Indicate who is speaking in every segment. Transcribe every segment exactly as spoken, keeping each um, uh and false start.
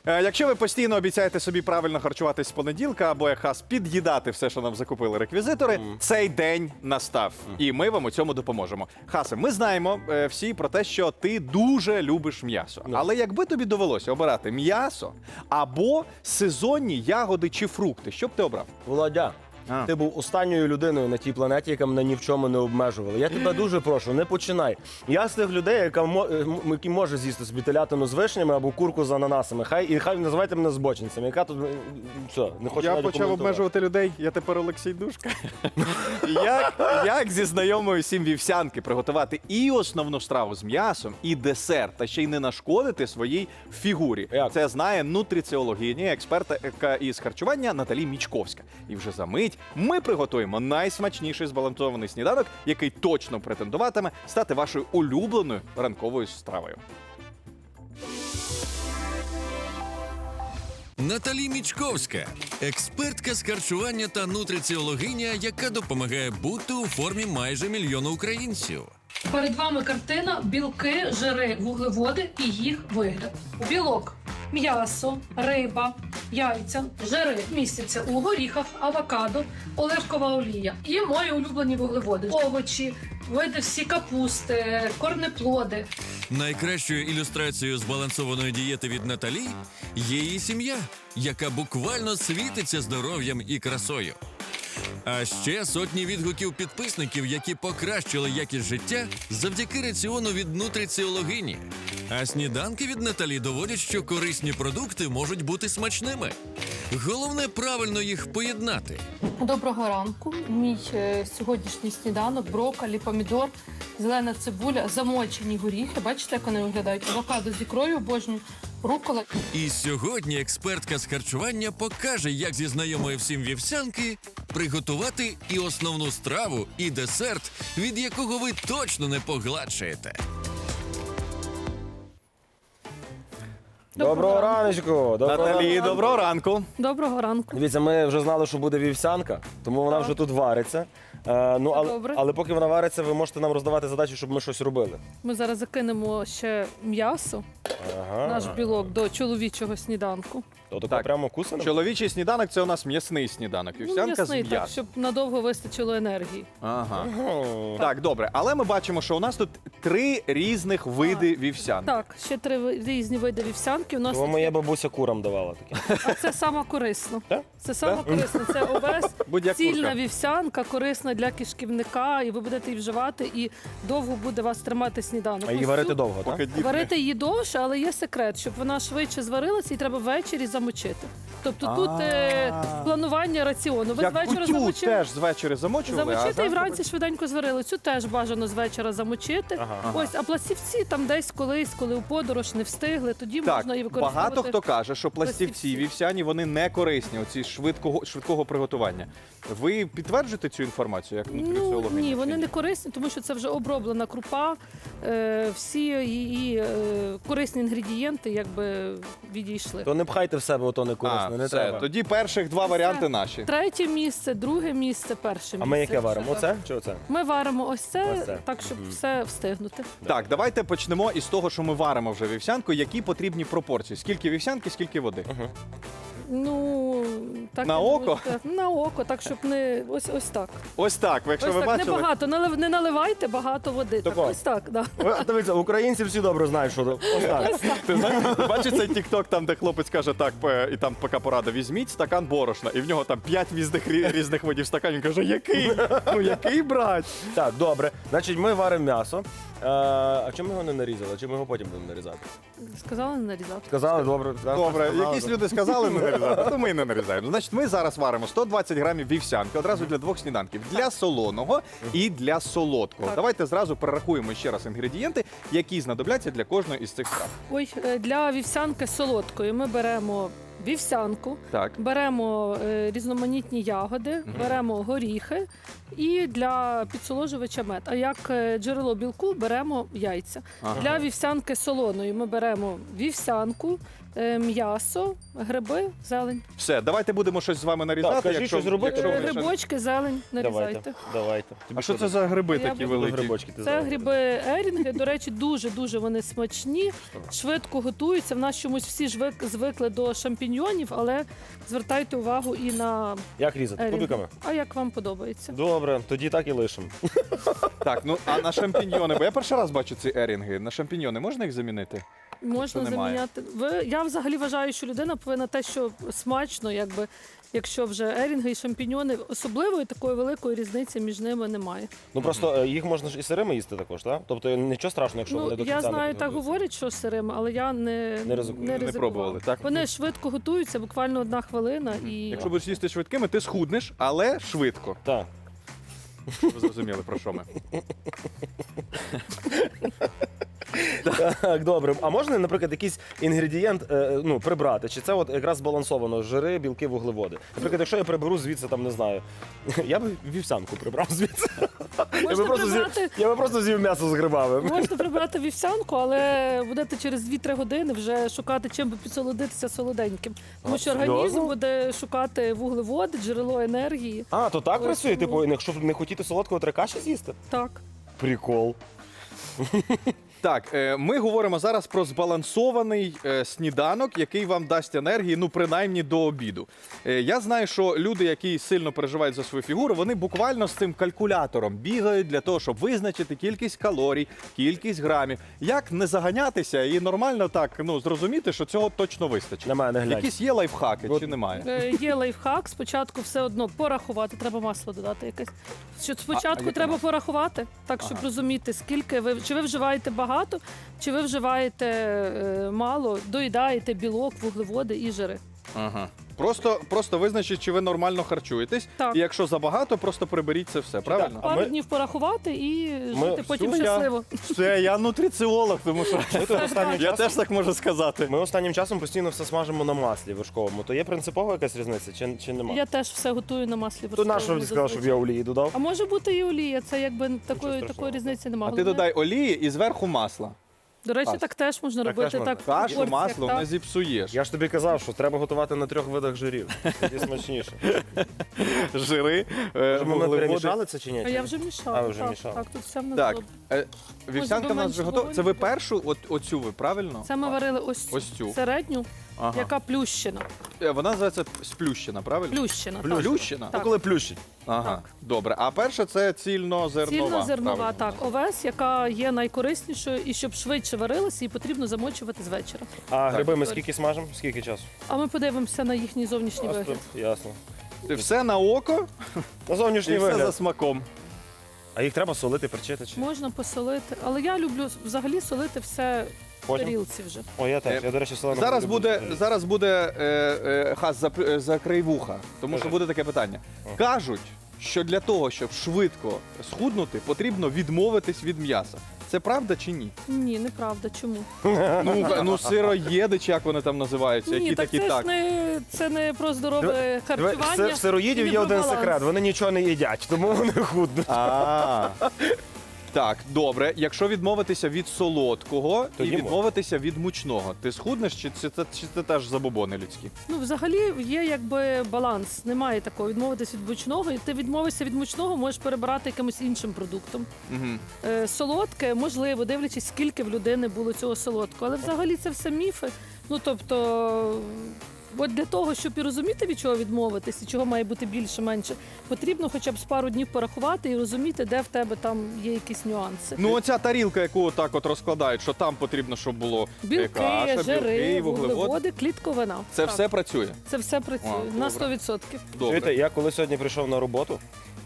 Speaker 1: Е, Якщо ви постійно обіцяєте собі правильно харчуватись з понеділка або як хас під'їдати все, що нам закупили реквізитори,
Speaker 2: Мгм.
Speaker 1: цей день настав. І ми вам у цьому допоможемо. Хасе, ми знаємо е, всі про те, що ти дуже любиш м'ясо.
Speaker 2: Ну.
Speaker 1: Але якби тобі довелося обирати м'ясо або сезонні ягоди чи фрукти, що б ти обрав?
Speaker 2: Володя,
Speaker 1: А.
Speaker 2: ти був останньою людиною на тій планеті, яка мене ні в чому не обмежувала. Я тебе дуже прошу, не починай. Я з тих людей, яка мо- е, м- які може з'їсти собі телятину з вишнями або курку з ананасами. Хай і хай називайте мене збочинцем. Яка тут е, все, не хочу
Speaker 1: Я
Speaker 2: навіть
Speaker 1: почав
Speaker 2: коментувати.
Speaker 1: обмежувати людей, я тепер Олексій Душка. як, як зі знайомою сім вівсянки приготувати і основну страву з м'ясом, і десерт, та ще й не нашкодити своїй фігурі.
Speaker 2: Як?
Speaker 1: Це знає нутриціологиня, експерта із харчування Наталі Мічковська. І вже за мить ми приготуємо найсмачніший збалансований сніданок, який точно претендуватиме стати вашою улюбленою ранковою стравою.
Speaker 3: Наталі Мічковська, експертка з харчування та нутриціологиня, яка допомагає бути у формі майже мільйона українців.
Speaker 4: Перед вами картина білки, жири, вуглеводи і їх вигляд. Білок, м'ясо, риба, яйця, жири містяться у горіхах, авокадо, оливкова олія. І мої улюблені вуглеводи: овочі, види всі капусти, корнеплоди.
Speaker 3: Найкращою ілюстрацією збалансованої дієти від Наталі є її сім'я, яка буквально світиться здоров'ям і красою. А ще сотні відгуків підписників, які покращили якість життя завдяки раціону від нутриціологині. А сніданки від Наталі доводять, що корисні продукти можуть бути смачними. Головне правильно їх поєднати.
Speaker 4: Доброго ранку. Мій е, сьогоднішній сніданок: брокколі, помідор, зелена цибуля, замочені горіхи. Бачите, як вони виглядають? Авокадо з ікрою, обожнюю, рукола.
Speaker 3: І сьогодні експертка з харчування покаже, як зі знайомої всім вівсянки приготувати і основну страву, і десерт, від якого ви точно не погладшаєте.
Speaker 2: Доброго
Speaker 4: Доброго
Speaker 2: раночку! Доброго
Speaker 1: Наталі,
Speaker 2: ранку.
Speaker 1: доброго ранку.
Speaker 4: Доброго ранку.
Speaker 2: Дивіться, ми вже знали, що буде вівсянка, тому вона
Speaker 4: Так.
Speaker 2: вже тут вариться. Е, ну, але,
Speaker 4: Добре.
Speaker 2: але поки вона вариться, ви можете нам роздавати задачі, щоб ми щось робили.
Speaker 4: Ми зараз закинемо ще м'ясо,
Speaker 2: Ага.
Speaker 4: наш білок, до чоловічого сніданку.
Speaker 2: То тако
Speaker 1: Так.
Speaker 2: прямо кусано?
Speaker 1: Чоловічий сніданок – це у нас м'ясний сніданок.
Speaker 4: Ну,
Speaker 1: Вівсянка
Speaker 4: м'ясний,
Speaker 1: з
Speaker 4: так,
Speaker 1: м'ясом.
Speaker 4: щоб надовго вистачило енергії.
Speaker 1: Ага.
Speaker 2: Ага.
Speaker 1: Так, добре. Але ми бачимо, що у нас тут три різних види вівсянки.
Speaker 4: Так, ще три ви- різні види вівсянки. У нас
Speaker 2: То моя бабуся курам давала таке.
Speaker 4: а це саме корисно.
Speaker 2: Так?
Speaker 4: Це саме
Speaker 2: Так?
Speaker 4: корисно. Це овес,
Speaker 1: Будь-як
Speaker 4: цільна
Speaker 1: курка.
Speaker 4: вівсянка, корисна для кишківника, і ви будете її вживати, і довго буде вас тримати сніданок.
Speaker 2: А її
Speaker 4: Ось
Speaker 2: варити
Speaker 4: цю-
Speaker 2: довго, так?
Speaker 1: Поки дід не-
Speaker 4: Варити її довше, але є секрет, щоб вона швидше зварилася, її треба ввечері замочити. Тобто тут е,
Speaker 1: А.
Speaker 4: планування раціону. Ви
Speaker 1: Як
Speaker 4: звечора
Speaker 1: кутю
Speaker 4: замочили.
Speaker 1: теж з вечора замочували, а
Speaker 4: Замочити і
Speaker 1: зранку
Speaker 4: вранці швиденько зварили. Цю теж бажано з вечора замочити.
Speaker 2: Ага.
Speaker 4: Ось, а пластівці там десь колись, коли у подорож не встигли, тоді
Speaker 1: Так,
Speaker 4: можна її використовувати.
Speaker 1: багато хто каже, що пластівці
Speaker 4: Пластівці.
Speaker 1: вівсяні вони не корисні, оці швидкого швидкого приготування. Ви підтверджуєте цю інформацію як
Speaker 4: Ну
Speaker 1: нутриціологиня?
Speaker 4: ні,
Speaker 1: чи
Speaker 4: вони не корисні, тому що це вже оброблена крупа. Е, всі її е, корисні інгредієнти якби відійшли.
Speaker 2: То не пхайте в себе, ото не корисно,
Speaker 1: А,
Speaker 2: не
Speaker 1: все.
Speaker 2: треба.
Speaker 1: Тоді перших два
Speaker 4: Все.
Speaker 1: варіанти наші.
Speaker 4: Третє місце, друге місце, перше місце.
Speaker 2: А ми яке варимо?
Speaker 4: Все так.
Speaker 2: Оце чи оце?
Speaker 4: Ми варимо ось це,
Speaker 2: Ось це.
Speaker 4: так, щоб все встигнути.
Speaker 1: Так, давайте почнемо із того, що ми варимо вже вівсянку. Які потрібні пропорції? Скільки вівсянки, скільки води?
Speaker 4: Ну так
Speaker 1: На
Speaker 4: я
Speaker 1: око?
Speaker 4: думаю, так, на око, так щоб не ось ось так.
Speaker 1: Ось так. Ви якщо
Speaker 4: ось
Speaker 1: ви
Speaker 4: так,
Speaker 1: бачили.
Speaker 4: не багато, налив, не наливайте багато води. Так,
Speaker 2: Тако.
Speaker 4: ось так, да.
Speaker 2: Ви, Дивіться, українці всі добре знають, що то- ось так.
Speaker 1: Ти знаєш, ти бачиш цей тікток, там, де хлопець каже, так, п- і там поки порада, візьміть стакан борошна, і в нього там п'ять різних, рі- різних видів стаканів. Він каже, який? Ну який брать?
Speaker 2: Так, добре. Значить, ми варимо м'ясо. Е, а чому ми його не нарізали? Чи ми його потім будемо нарізати?
Speaker 4: Сказала не нарізати.
Speaker 2: Сказали, добре.
Speaker 1: Добре,
Speaker 2: сказали,
Speaker 1: якісь люди сказали не нарізати, то ми і не нарізаємо. Значить, ми зараз варимо сто двадцять грамів вівсянки одразу для двох сніданків. Для солоного і для солодкого.
Speaker 4: Так.
Speaker 1: Давайте зразу перерахуємо ще раз інгредієнти, які знадобляться для кожної із цих страв.
Speaker 4: Ой, е, для вівсянки солодкої ми беремо вівсянку,
Speaker 1: Так.
Speaker 4: беремо е, різноманітні ягоди, беремо горіхи і для підсоложувача мед. А як е, джерело білку беремо яйця.
Speaker 1: Ага.
Speaker 4: Для вівсянки солоної ми беремо вівсянку, е, м'ясо, гриби, зелень.
Speaker 1: Все, давайте будемо щось з вами нарізати.
Speaker 2: Так, кажіть,
Speaker 1: якщо-
Speaker 2: щось робити.
Speaker 1: якщо
Speaker 4: Е,
Speaker 1: ви ще-
Speaker 4: Грибочки, зелень, нарізайте.
Speaker 2: Давайте, давайте.
Speaker 1: А що це за гриби
Speaker 4: Я
Speaker 1: такі
Speaker 4: буду-
Speaker 1: великі?
Speaker 2: Грибочки ти
Speaker 4: Це
Speaker 2: зараз.
Speaker 4: гриби ерінги. До речі, дуже-дуже вони смачні, швидко готуються. В нас чомусь всі ж вик- звикли до шампіньйонів, але звертайте увагу і на
Speaker 2: Як різати?
Speaker 4: ерінги.
Speaker 2: Кубиками?
Speaker 4: А як вам подобається?
Speaker 2: Добре, тоді так і лишимо.
Speaker 1: Так, ну а на шампіньйони, бо я перший раз бачу ці ерінги. На шампіньйони можна їх замінити?
Speaker 4: Можна
Speaker 1: немає.
Speaker 4: заміняти. Ви я взагалі вважаю, що людина повинна те, що смачно, якби. Якщо вже ерінги і шампіньйони, особливої такої великої різниці між ними немає.
Speaker 2: Ну просто е, їх можна ж і сирими їсти також, так? Тобто нічого страшного, якщо
Speaker 4: Ну
Speaker 2: вони до кінця
Speaker 4: я
Speaker 2: не
Speaker 4: знаю, так
Speaker 2: підготуються.
Speaker 4: говорять, що сирими, але я не,
Speaker 2: Не ризикую.
Speaker 4: не
Speaker 2: Не
Speaker 4: ризикувала.
Speaker 1: пробували, так?
Speaker 4: Вони швидко готуються, буквально одна хвилина і
Speaker 1: Якщо будеш їсти швидкими, ти схуднеш, але швидко.
Speaker 2: Так.
Speaker 1: Ви зрозуміли, про що ми.
Speaker 2: Так, добре. А можна, наприклад, якийсь інгредієнт е, ну, прибрати? Чи це от якраз збалансовано жири, білки, вуглеводи? Наприклад, якщо я приберу звідси, там не знаю, я би вівсянку прибрав звідси. Я би
Speaker 4: можна
Speaker 2: просто з'їв,
Speaker 4: прибрати.
Speaker 2: я би просто з'їв м'ясо з грибами.
Speaker 4: Можна прибрати вівсянку, але будете через дві-три години вже шукати, чим би підсолодитися солоденьким. Тому
Speaker 2: А,
Speaker 4: що
Speaker 2: серйозно?
Speaker 4: організм буде шукати вуглеводи, джерело енергії.
Speaker 2: А, то так
Speaker 4: Ось
Speaker 2: працює?
Speaker 4: тому.
Speaker 2: Типу, якщо не хотіти солодкого, треба каші з'їсти?
Speaker 4: Так.
Speaker 2: Прикол.
Speaker 1: Так, е, ми говоримо зараз про збалансований е, сніданок, який вам дасть енергії, ну принаймні до обіду. Е, я знаю, що люди, які сильно переживають за свою фігуру, вони буквально з цим калькулятором бігають для того, щоб визначити кількість калорій, кількість грамів. Як не заганятися і нормально так ну зрозуміти, що цього точно вистачить.
Speaker 2: На мене глянь.
Speaker 1: Якісь є лайфхаки
Speaker 2: От-
Speaker 1: чи немає?
Speaker 4: Е, Є лайфхак, спочатку все одно порахувати, треба масло додати якесь. Що спочатку
Speaker 1: яке
Speaker 4: треба
Speaker 1: масло?
Speaker 4: порахувати, так щоб
Speaker 1: Ага.
Speaker 4: розуміти, скільки ви чи ви вживаєте багато, чи ви вживаєте е, мало, доїдаєте білок, вуглеводи і жири.
Speaker 1: Ага. Просто, просто визначить, чи ви нормально харчуєтесь.
Speaker 4: Так.
Speaker 1: І якщо забагато, просто приберіть це все, правильно?
Speaker 2: А
Speaker 4: Пару
Speaker 2: ми-
Speaker 4: днів порахувати і
Speaker 2: Ми-
Speaker 4: жити потім
Speaker 1: Все, я-
Speaker 4: щасливо.
Speaker 1: Все, я нутриціолог, тому що
Speaker 2: Ми тут останнім
Speaker 1: я
Speaker 2: часом,
Speaker 1: теж так можу сказати.
Speaker 2: ми останнім часом постійно все смажимо на маслі вершковому. То є принципова якась різниця чи, чи нема?
Speaker 4: Я теж все готую на маслі
Speaker 2: То
Speaker 4: вершковому.
Speaker 2: на що мені сказав, щоб
Speaker 4: зазвичай.
Speaker 2: я олії додав?
Speaker 4: А може бути і олія, це якби такої,
Speaker 2: страшного.
Speaker 4: такої різниці немає.
Speaker 1: А ти додай олії і зверху масла.
Speaker 4: До речі,
Speaker 1: Каш.
Speaker 4: так теж можна
Speaker 2: Так
Speaker 4: робити.
Speaker 2: теж можна.
Speaker 4: Так, в
Speaker 1: Кашу,
Speaker 4: порціях,
Speaker 1: масло
Speaker 4: так.
Speaker 1: не зіпсуєш.
Speaker 2: Я ж тобі казав, що треба готувати на трьох видах жирів. Тоді смачніше.
Speaker 1: Жири, е,
Speaker 2: Може, ми
Speaker 1: вуглеводи.
Speaker 2: перемішали це чи ні?
Speaker 4: А я вже мішала.
Speaker 2: А, ви вже
Speaker 4: так,
Speaker 2: мішали.
Speaker 4: так, тут все в нас
Speaker 1: Так,
Speaker 4: добре.
Speaker 1: е, вівсянка в нас
Speaker 4: менше
Speaker 1: вже готова.
Speaker 4: вогонь
Speaker 1: Це ви
Speaker 4: буде.
Speaker 1: першу, от, оцю ви, правильно?
Speaker 4: Це ми варили ось,
Speaker 1: Ось цю.
Speaker 4: середню,
Speaker 1: Ага.
Speaker 4: яка плющена.
Speaker 1: Е, Вона називається сплющена, правильно?
Speaker 4: Плющена. так.
Speaker 1: Плющена?
Speaker 2: Ну, коли плющить.
Speaker 1: Ага,
Speaker 4: Так.
Speaker 1: добре. А перша це цільнозернова.
Speaker 4: Цільнозернова,
Speaker 1: правильно?
Speaker 4: так, овес, яка є найкориснішою, і щоб швидше варилася, її потрібно замочувати з вечора.
Speaker 2: А гриби ми
Speaker 4: Так.
Speaker 2: скільки смажемо? Скільки часу?
Speaker 4: А ми подивимося на їхній зовнішній вигляд.
Speaker 2: Ясно.
Speaker 1: Все на око
Speaker 2: На
Speaker 1: і
Speaker 2: зовнішній
Speaker 1: все за
Speaker 2: вигляд.
Speaker 1: смаком.
Speaker 2: А їх треба солити, перчити чи?
Speaker 4: Можна посолити, але я люблю взагалі солити все в
Speaker 2: Потім?
Speaker 4: тарілці вже.
Speaker 2: О, я теж.
Speaker 1: Е,
Speaker 2: Я, до речі, солену
Speaker 1: Зараз
Speaker 2: люблю.
Speaker 1: буде, зараз буде е, е, хас зап- закрий вуха, тому що
Speaker 2: Кажи.
Speaker 1: буде таке питання. Кажуть, що для того, щоб швидко схуднути, потрібно відмовитись від м'яса. Це правда чи ні?
Speaker 4: Ні, неправда. Чому?
Speaker 1: Ну, ну сироїди, чи як вони там називаються,
Speaker 4: Ні,
Speaker 1: які
Speaker 4: так
Speaker 1: такі
Speaker 4: це
Speaker 1: так.
Speaker 4: ж не це не про здорове
Speaker 2: Диви,
Speaker 4: харчування.
Speaker 2: в в сироїдів
Speaker 4: і не
Speaker 2: є
Speaker 4: про
Speaker 2: один
Speaker 4: баланс.
Speaker 2: секрет. Вони нічого не їдять, тому вони худнуть.
Speaker 1: А, так, добре. Якщо відмовитися від солодкого
Speaker 2: То
Speaker 1: і
Speaker 2: їмо.
Speaker 1: відмовитися від мучного, ти схуднеш чи це, це, чи це теж забобони людські?
Speaker 4: Ну, взагалі є якби баланс. Немає такого відмовитися від мучного. І ти відмовишся від мучного, можеш перебирати якимось іншим продуктом.
Speaker 1: Угу.
Speaker 4: Е, солодке, можливо, дивлячись, скільки в людини було цього солодкого. Але взагалі це все міфи. Ну тобто. От для того, щоб і розуміти, від чого відмовитися, чого має бути більше, менше, потрібно хоча б з пару днів порахувати і розуміти, де в тебе там є якісь нюанси.
Speaker 1: Ну, оця тарілка, яку так от розкладають, що там потрібно, щоб було е,
Speaker 4: Білки,
Speaker 1: каша,
Speaker 4: жири,
Speaker 1: білки, вуглеводи.
Speaker 4: вуглеводи, клітковина.
Speaker 1: Це
Speaker 4: Так.
Speaker 1: все працює.
Speaker 4: Це все працює
Speaker 1: А,
Speaker 4: на
Speaker 1: добре.
Speaker 4: сто відсотків.
Speaker 1: Добре.
Speaker 2: Чуєте, я коли сьогодні прийшов на роботу,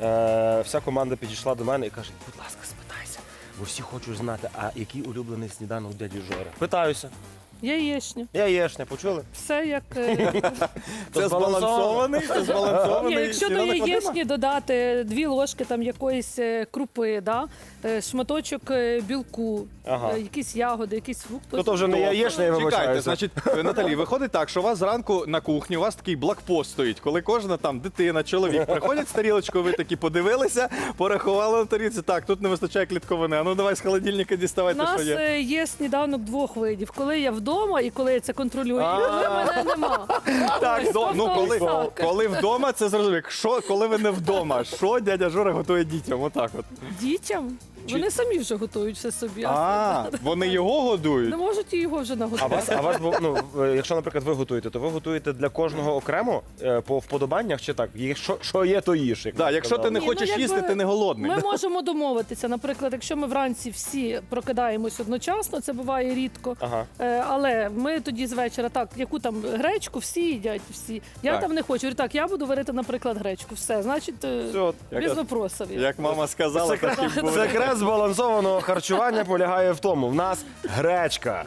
Speaker 2: е, вся команда підійшла до мене і каже: будь ласка, спитайся, бо всі хочуть знати, а який улюблений сніданок дяді Жори. Питаюся.
Speaker 4: Яєчня.
Speaker 2: Яєшня, почули?
Speaker 4: Все як. е,
Speaker 1: Це збалансований, це
Speaker 4: Ні,
Speaker 1: збалансований.
Speaker 4: якщо до
Speaker 1: сніданок Вадима?
Speaker 4: яєчні додати дві ложки там якоїсь е, крупи, да? е, шматочок е, білку,
Speaker 2: Ага.
Speaker 4: е, якісь ягоди, якийсь фрукт.
Speaker 2: То то вже не
Speaker 1: Добре.
Speaker 2: яєчня, я
Speaker 1: Чекайте,
Speaker 2: вибачаюся.
Speaker 1: значить, е, Наталі, виходить так, що у вас зранку на кухні, у вас такий блокпост стоїть, коли кожна там дитина, чоловік приходять з тарілочкою, ви такі подивилися, порахували на тарілці, так, тут не вистачає клітковини, а ну давай з холодильника
Speaker 4: У
Speaker 1: діставайте,
Speaker 4: нас
Speaker 1: що є.
Speaker 4: е, є сніданок двох видів. Коли я вдома.
Speaker 5: вдома, і коли я це контролюю,
Speaker 2: А.
Speaker 5: і коли мене нема.
Speaker 1: Так,
Speaker 5: Ось,
Speaker 1: до- ну
Speaker 5: тобто
Speaker 1: коли,
Speaker 5: ось так.
Speaker 1: коли вдома, це зрозуміло. Якщо коли ви не вдома, що дядя Жора готує дітям? Отак от.
Speaker 5: Дітям?
Speaker 1: Чи-
Speaker 5: Вони самі вже готують все собі.
Speaker 1: А, вони його годують?
Speaker 5: Не можуть і його вже
Speaker 2: А
Speaker 5: наготувати.
Speaker 2: вас, а вас, бу- ну, е, якщо, наприклад, ви готуєте, то ви готуєте для кожного окремо е, по вподобаннях чи так? Є- Що, що є, то їж. Як
Speaker 1: Да,
Speaker 2: ви
Speaker 1: якщо ти
Speaker 2: сказали.
Speaker 1: не
Speaker 5: Ні,
Speaker 1: хочеш
Speaker 5: ну, якби
Speaker 1: їсти, ти не голодний.
Speaker 5: Ми
Speaker 1: Да?
Speaker 5: можемо домовитися. Наприклад, якщо ми вранці всі прокидаємось одночасно, це буває рідко.
Speaker 2: Ага.
Speaker 5: Е, Але ми тоді з вечора, так, яку там гречку, всі їдять, всі. Я
Speaker 1: Так.
Speaker 5: там не хочу. Говорю, так, я буду варити, наприклад, гречку. Все, значить, е,
Speaker 2: Все,
Speaker 5: без вопросів.
Speaker 1: Як мама сказала, так і буде.
Speaker 2: секрет збалансованого харчування полягає в тому. В нас гречка.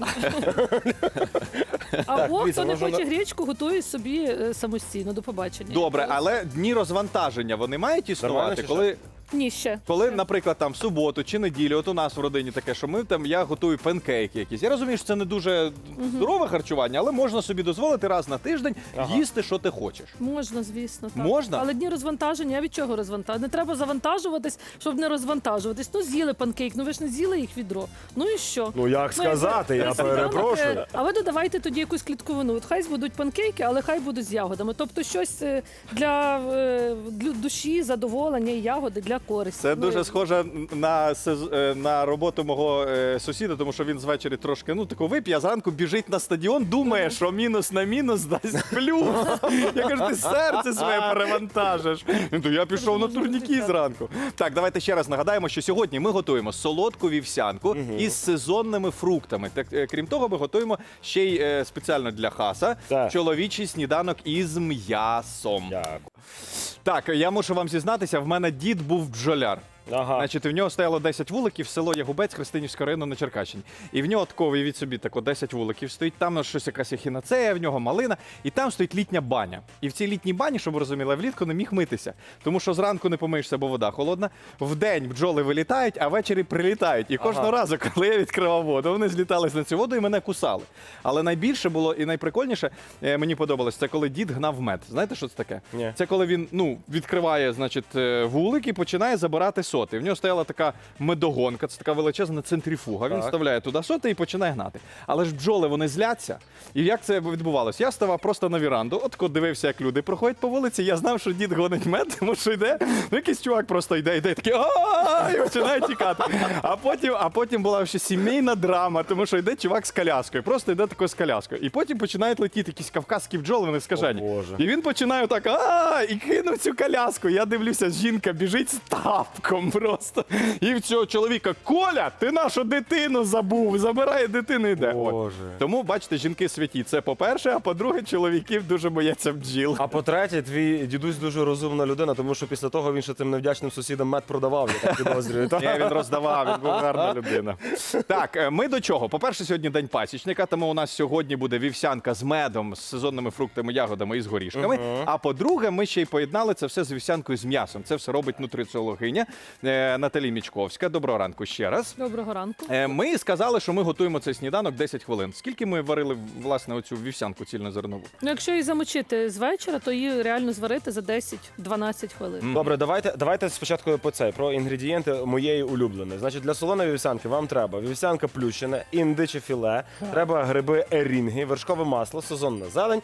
Speaker 5: Або
Speaker 2: дивіться,
Speaker 5: хто не
Speaker 2: можна
Speaker 5: хоче
Speaker 2: на-
Speaker 5: гречку, готує собі е, самостійно. До побачення.
Speaker 1: Добре, але дні розвантаження вони мають
Speaker 2: Нормально
Speaker 1: існувати,
Speaker 2: чи
Speaker 1: коли,
Speaker 5: Ні, ще.
Speaker 1: коли, наприклад, там в суботу чи неділю, от у нас в родині таке, що ми там я готую панкейки якісь. Я розумію, що це не дуже здорове харчування, але можна собі дозволити раз на тиждень
Speaker 2: Ага.
Speaker 1: їсти, що ти хочеш.
Speaker 5: Можна, звісно. Так.
Speaker 1: Можна?
Speaker 5: Але дні розвантаження, а від чого розвантаження? Не треба завантажуватись, щоб не розвантажуватись. Ну, з'їли панкейк, ну ви ж не з'їли їх відро. Ну і що?
Speaker 2: Ну як
Speaker 5: Ну,
Speaker 2: сказати, я
Speaker 5: якби сніданок,
Speaker 2: перепрошую.
Speaker 5: е, А ви додавайте тоді якусь клітковину. От хай будуть панкейки, але хай будуть з ягодами. Тобто щось е, для, е, для душі, задоволення і ягоди для користі.
Speaker 1: Це
Speaker 5: Ну,
Speaker 1: дуже
Speaker 5: і-
Speaker 1: схоже на, сез- е, на роботу мого е, сусіда, тому що він звечері трошки ну тако вип'є, а зранку біжить на стадіон, думає, що мінус на мінус дасть плюс. Я кажу, ти серце своє перевантажиш. Він то я пішов на турніки зранку. Так, давайте ще раз нагадаємо, що сьогодні ми готуємо солодку вівсянку із сезонними фруктами. Так, е, крім того, ми готуємо ще й е, спеціально для хаса
Speaker 2: Так.
Speaker 1: чоловічий сніданок із м'ясом.
Speaker 2: Дякую.
Speaker 1: Так, я мушу вам зізнатися, в мене дід був бджоляр.
Speaker 2: Ага.
Speaker 1: Значить, в нього стояло десять вуликів, село Ягубець, Христинівського району на Черкащині. І в нього тако, від собі, тако десять вуликів стоїть, там щось якась ехінацея, в нього малина, і там стоїть літня баня. І в цій літній бані, щоб ви розуміли, влітку не міг митися. Тому що зранку не помиєшся, бо вода холодна. Вдень бджоли вилітають, а ввечері прилітають. І кожного
Speaker 2: Ага.
Speaker 1: разу, коли я відкривав воду, вони злітались на цю воду і мене кусали. Але найбільше було і найприкольніше, е, мені подобалось, це коли дід гнав мед. Знаєте, що це таке?
Speaker 2: Ні.
Speaker 1: Це коли він ну, відкриває значить, е, вулик і починає забирати соти. В нього стояла така медогонка, це така величезна центрифуга. Він
Speaker 2: Так.
Speaker 1: вставляє туди соти і починає гнати. Але ж бджоли вони зляться. І як це відбувалося? Я ставав просто на віранду, от коли дивився, як люди проходять по вулиці. Я знав, що дід гонить мед, тому що йде. Ну, якийсь чувак просто йде, йде, такий а і починає тікати. А потім, а потім була ще сімейна драма, тому що йде чувак з коляскою, просто йде такою з коляскою. І потім починають летіти якісь кавказькі бджоли, вони скажені.
Speaker 2: О, Боже.
Speaker 1: І він починає так а і кинув цю коляску. Я дивлюся, жінка біжить з тапком просто. І в цього чоловіка: Коля, ти нашу дитину забув, забирає дитину і йде. От.
Speaker 2: Боже.
Speaker 1: Тому, бачите, жінки святі. Це по-перше, а по-друге, чоловіків дуже бояться бджіл.
Speaker 2: А по-третє, твій дідусь дуже розумна людина, тому що після того він ще тим невдячним сусідам мед продавав, я так підозрюю. та?
Speaker 1: Ні, він роздавав, він був гарна людина. Так, е, ми до чого? По-перше, сьогодні день пасічника, тому у нас сьогодні буде вівсянка з медом, з сезонними фруктами, ягодами і з горішками. А по-друге, ми ще й поєднали це все з вівсянкою з м'ясом. Це все робить нутриціологиня е, Наталі Мічковська. Доброго ранку ще раз.
Speaker 5: Доброго ранку.
Speaker 1: Е, Ми сказали, що ми готуємо цей сніданок десять хвилин. Скільки ми варили власне оцю вівсянку цільнозернову?
Speaker 5: Ну, якщо її замочити з вечора, то її реально зварити за десять-дванадцять хвилин.
Speaker 2: Добре, давайте, давайте спочатку по цей, про інгредієнти моєї улюбленої. Значить, для солоної вівсянки вам треба вівсянка плющена, індиче філе, треба гриби ерінги, вершкове масло, сезонна зелень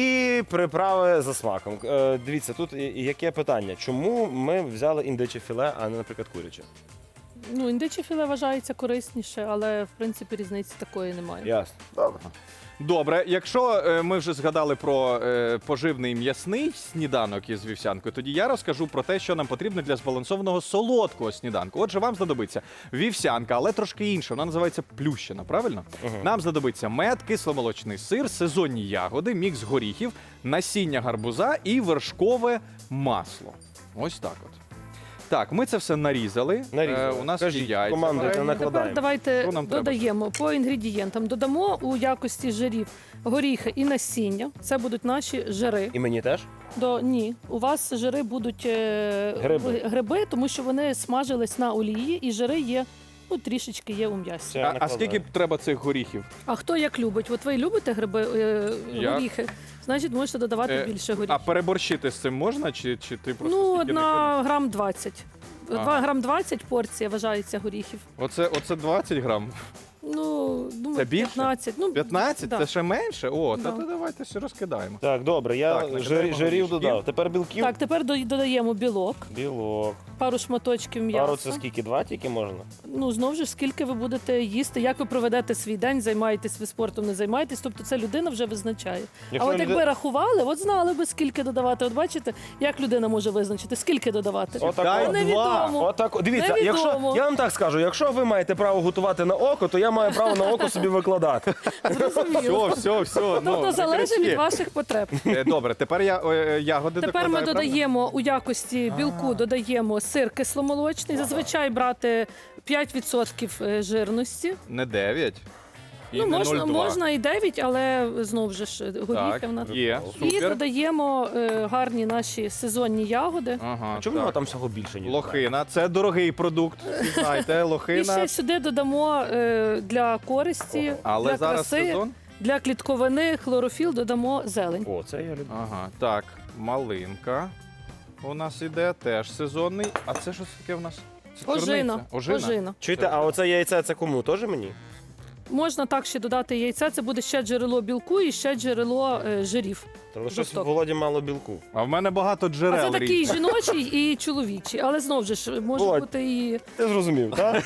Speaker 2: і приправи за смаком. Е, дивіться, тут і- і яке питання. Чому ми взяли індиче філе, а не, наприклад, куряче?
Speaker 5: Ну, індиче філе вважається корисніше, але в принципі різниці такої немає.
Speaker 2: Ясно. Добре.
Speaker 1: Добре, якщо е, ми вже згадали про е, поживний м'ясний сніданок із вівсянкою, тоді я розкажу про те, що нам потрібно для збалансованого солодкого сніданку. Отже, вам знадобиться вівсянка, але трошки інша. Вона називається плющена, правильно? Нам знадобиться мед, кисломолочний сир, сезонні ягоди, мікс горіхів, насіння гарбуза і вершкове масло. Ось так от. Так, ми це все нарізали.
Speaker 2: Нарізали.
Speaker 1: Е, у нас
Speaker 2: Кажіть,
Speaker 1: є яйця.
Speaker 2: командуйте,
Speaker 1: варені.
Speaker 2: накладаємо.
Speaker 5: Тепер давайте
Speaker 1: Що нам треба?
Speaker 5: додаємо по інгредієнтам. Додамо у якості жирів горіхи і насіння. Це будуть наші жири.
Speaker 2: І мені теж?
Speaker 5: До ні, у вас жири будуть е,
Speaker 2: Гриби.
Speaker 5: гриби, тому що вони смажились на олії, і жири є. Ну, трішечки є у м'ясі.
Speaker 2: Все.
Speaker 1: А, а
Speaker 2: накладаю.
Speaker 1: скільки треба цих горіхів?
Speaker 5: А хто як любить? От ви любите гриби, е,
Speaker 1: Я?
Speaker 5: горіхи, значить можете додавати
Speaker 1: Е,
Speaker 5: більше
Speaker 1: А
Speaker 5: горіхів.
Speaker 1: переборщити з цим можна, чи, чи ти просто
Speaker 5: Ну,
Speaker 1: стільки не
Speaker 5: на грам двадцять.
Speaker 1: Ага.
Speaker 5: Два грам двадцять порція вважається горіхів.
Speaker 1: Оце, оце двадцять грам.
Speaker 5: Ну, думаю,
Speaker 1: Це більше?
Speaker 5: п'ятнадцять. Ну,
Speaker 1: п'ятнадцять?
Speaker 5: да.
Speaker 1: Це ще менше? О,
Speaker 5: Да.
Speaker 1: та то давайте все розкидаємо.
Speaker 2: Так, добре, я
Speaker 1: Так,
Speaker 2: жир,
Speaker 1: накидаємо
Speaker 2: жирів
Speaker 1: горішків.
Speaker 2: додав. Тепер білків.
Speaker 5: Так, тепер до- додаємо білок,
Speaker 2: Білок.
Speaker 5: пару шматочків м'яса.
Speaker 2: Пару це скільки? Два тільки можна?
Speaker 5: Ну, знову ж, скільки ви будете їсти, як ви проведете свій день, займаєтесь ви спортом, не займаєтесь, тобто це людина вже визначає.
Speaker 2: Якщо
Speaker 5: а от
Speaker 2: люди-
Speaker 5: якби рахували, от знали би, скільки додавати. От бачите, як людина може визначити, скільки додавати.
Speaker 2: Отак,
Speaker 1: Дай
Speaker 2: от.
Speaker 5: Невідомо.
Speaker 2: Отак, от. Дивіться, якщо
Speaker 5: Невідомо.
Speaker 2: я вам так скажу, якщо ви маєте право готувати на око, то я маю право на око собі викладати.
Speaker 5: Зрозуміло.
Speaker 1: Все, все, все.
Speaker 5: Тобто
Speaker 1: ну,
Speaker 5: залежить
Speaker 1: крички.
Speaker 5: від ваших потреб.
Speaker 1: Е, Добре, тепер я е, ягоди
Speaker 5: Тепер ми
Speaker 1: докладаю, правильно?
Speaker 5: додаємо у якості білку додаємо сир кисломолочний. Зазвичай брати п'ять відсотків е, жирності.
Speaker 1: Не дев'ять. І
Speaker 5: Ну,
Speaker 1: не
Speaker 5: можна,
Speaker 1: нуль два.
Speaker 5: можна і дев'ять, але знову ж горіхи в нас.
Speaker 1: Так, є,
Speaker 5: І
Speaker 1: супер.
Speaker 5: додаємо е, гарні наші сезонні ягоди.
Speaker 1: Ага,
Speaker 2: Чому
Speaker 1: так.
Speaker 2: там всього більше, ніж
Speaker 1: Лохина, це дорогий продукт, ви знаєте,
Speaker 5: І ще
Speaker 1: лохина.
Speaker 5: сюди додамо е, для користі,
Speaker 1: Але
Speaker 5: для
Speaker 1: зараз
Speaker 5: краси,
Speaker 1: сезон.
Speaker 5: для клітковини, хлорофіл додамо зелень.
Speaker 2: О, це я люблю.
Speaker 1: Ага, так, малинка у нас іде, теж сезонний. А це що таке в нас? Це
Speaker 5: Ожина.
Speaker 1: чорниця. Ожина.
Speaker 5: Ожина.
Speaker 2: Чуєте, а оце яйце це кому? Теж мені?
Speaker 5: Можна так ще додати яйця, це буде ще джерело білку і ще джерело е, жирів.
Speaker 2: Тому щось
Speaker 5: Жорстоко.
Speaker 2: в Володі мало білку.
Speaker 1: А в мене багато
Speaker 5: А
Speaker 1: джерел.
Speaker 5: це такий
Speaker 1: різних.
Speaker 5: жіночий і чоловічий, але знову ж може
Speaker 2: Володь.
Speaker 5: бути і
Speaker 2: Ти зрозумів, так?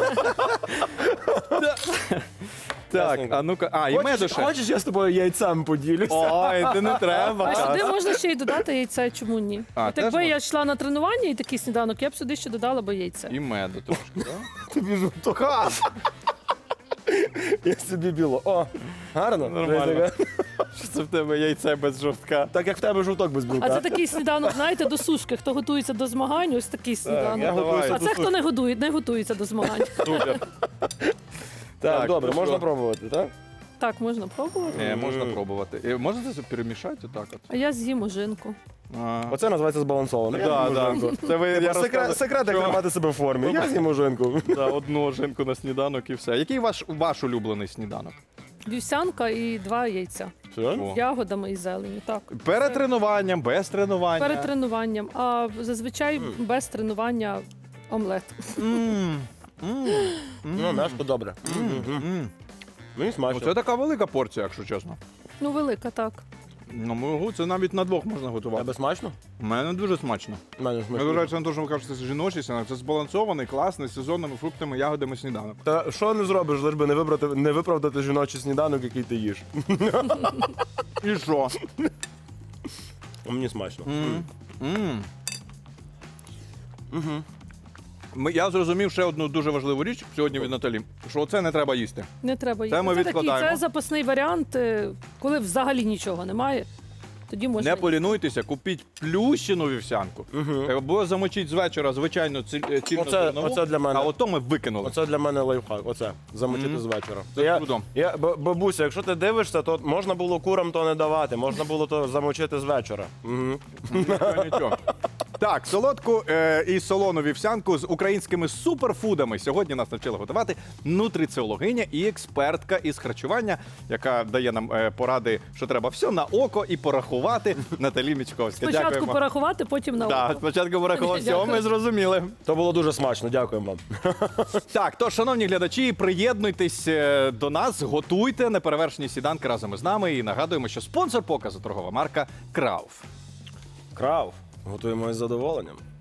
Speaker 1: Так,
Speaker 2: Ясненько.
Speaker 1: а ну-ка, а, і меду ще.
Speaker 2: Хочеш, я з тобою яйцем поділюся?
Speaker 1: Ой, ти не треба.
Speaker 5: а
Speaker 1: Кас.
Speaker 5: сюди можна ще й додати яйце, чому ні?
Speaker 1: А,
Speaker 5: От
Speaker 1: теж
Speaker 5: якби
Speaker 1: можна?
Speaker 5: я йшла на тренування і такий сніданок, я б сюди ще додала би яйце.
Speaker 1: І меду трошки, так?
Speaker 2: Тобі жовтоха. Я собі біло. О, гарно.
Speaker 1: Нормально. Що це в тебе яйце без жовтка?
Speaker 2: Так як в тебе жовток без білка.
Speaker 5: А це такий сніданок, знаєте, до сушки. Хто готується до змагань, ось такий
Speaker 2: я
Speaker 5: сніданок.
Speaker 2: готуюся
Speaker 5: А
Speaker 2: до
Speaker 5: це хто не готує, не готується до змагань.
Speaker 1: Супер.
Speaker 2: Так,
Speaker 1: Так,
Speaker 2: добре,
Speaker 1: ну
Speaker 2: можна
Speaker 1: що?
Speaker 2: пробувати, так?
Speaker 5: Так, можна пробувати.
Speaker 1: Е, можна пробувати. Е, можна це перемішати отак от?
Speaker 5: А я з'їм ожинку.
Speaker 1: А.
Speaker 2: Оце називається збалансовано.
Speaker 1: Да, да. Це ви, я
Speaker 2: Секрет,
Speaker 1: розказую,
Speaker 2: секрет, як
Speaker 1: що-
Speaker 2: тримати себе в формі. Я з'їм ожинку.
Speaker 1: Да, одну ожинку на сніданок і все. Який ваш, ваш улюблений сніданок?
Speaker 5: Вівсянка і два яйця.
Speaker 1: О.
Speaker 5: З ягодами і зеленю. Так.
Speaker 1: Перед тренуванням, без тренування.
Speaker 5: Перед тренуванням. А зазвичай без тренування омлет.
Speaker 1: М, м,
Speaker 2: Ну, м'ясо добре. Мгм.
Speaker 1: м.
Speaker 2: Мені
Speaker 1: Ну,
Speaker 2: смачно.
Speaker 1: це така велика порція, якщо чесно.
Speaker 5: Ну, велика, так.
Speaker 1: Ну, можу, це навіть на двох можна готувати.
Speaker 2: Тебе смачно?
Speaker 1: У мене дуже смачно.
Speaker 2: У мене смачно.
Speaker 1: Незважаючи на те, що ви кажете, це жіночий сніданок, це збалансований, класний, з сезонними фруктами, ягодами сніданок.
Speaker 2: Та що не зробиш, лиш би не вибрати, не виправдати жіночий сніданок, який ти їш.
Speaker 1: І що?
Speaker 2: А мені смачно.
Speaker 1: М. Ми- Я зрозумів ще одну дуже важливу річ сьогодні від Наталі, що це не треба їсти.
Speaker 5: Не треба їсти.
Speaker 1: Це ми
Speaker 5: такий,
Speaker 1: відкладаємо.
Speaker 5: це запасний варіант, е, коли взагалі нічого немає. Тоді можна.
Speaker 1: Не полінуйтеся, купіть плющену вівсянку, або замочіть з вечора, звичайно, ці- е, цільну
Speaker 2: Оце-
Speaker 1: зернову,
Speaker 2: оце для мене.
Speaker 1: а ото ми викинули.
Speaker 2: Оце для мене лайфхак. Оце замочити
Speaker 1: Мгм.
Speaker 2: з вечора.
Speaker 1: Це
Speaker 2: я,
Speaker 1: круто.
Speaker 2: я, б- бабуся, якщо ти дивишся, то можна було курам то не давати, можна було то замочити з вечора. Угу.
Speaker 1: Нічого, нічого. Так, солодку е, і солону вівсянку з українськими суперфудами сьогодні нас навчила готувати нутриціологиня і експертка із харчування, яка дає нам е, поради, що треба все на око і порахувати. Наталі Мічковська.
Speaker 5: Спочатку
Speaker 1: Дякуємо.
Speaker 5: порахувати, потім на
Speaker 1: Так,
Speaker 5: око.
Speaker 1: спочатку порахувати, все,
Speaker 5: Дякую.
Speaker 1: ми зрозуміли.
Speaker 2: То було дуже смачно, дякуємо вам.
Speaker 1: Так, то, шановні глядачі, приєднуйтесь е, до нас, готуйте неперевершені сніданки разом із нами. І нагадуємо, що спонсор показу торгова марка Крауф.
Speaker 2: Крав. Готуємо із задоволенням.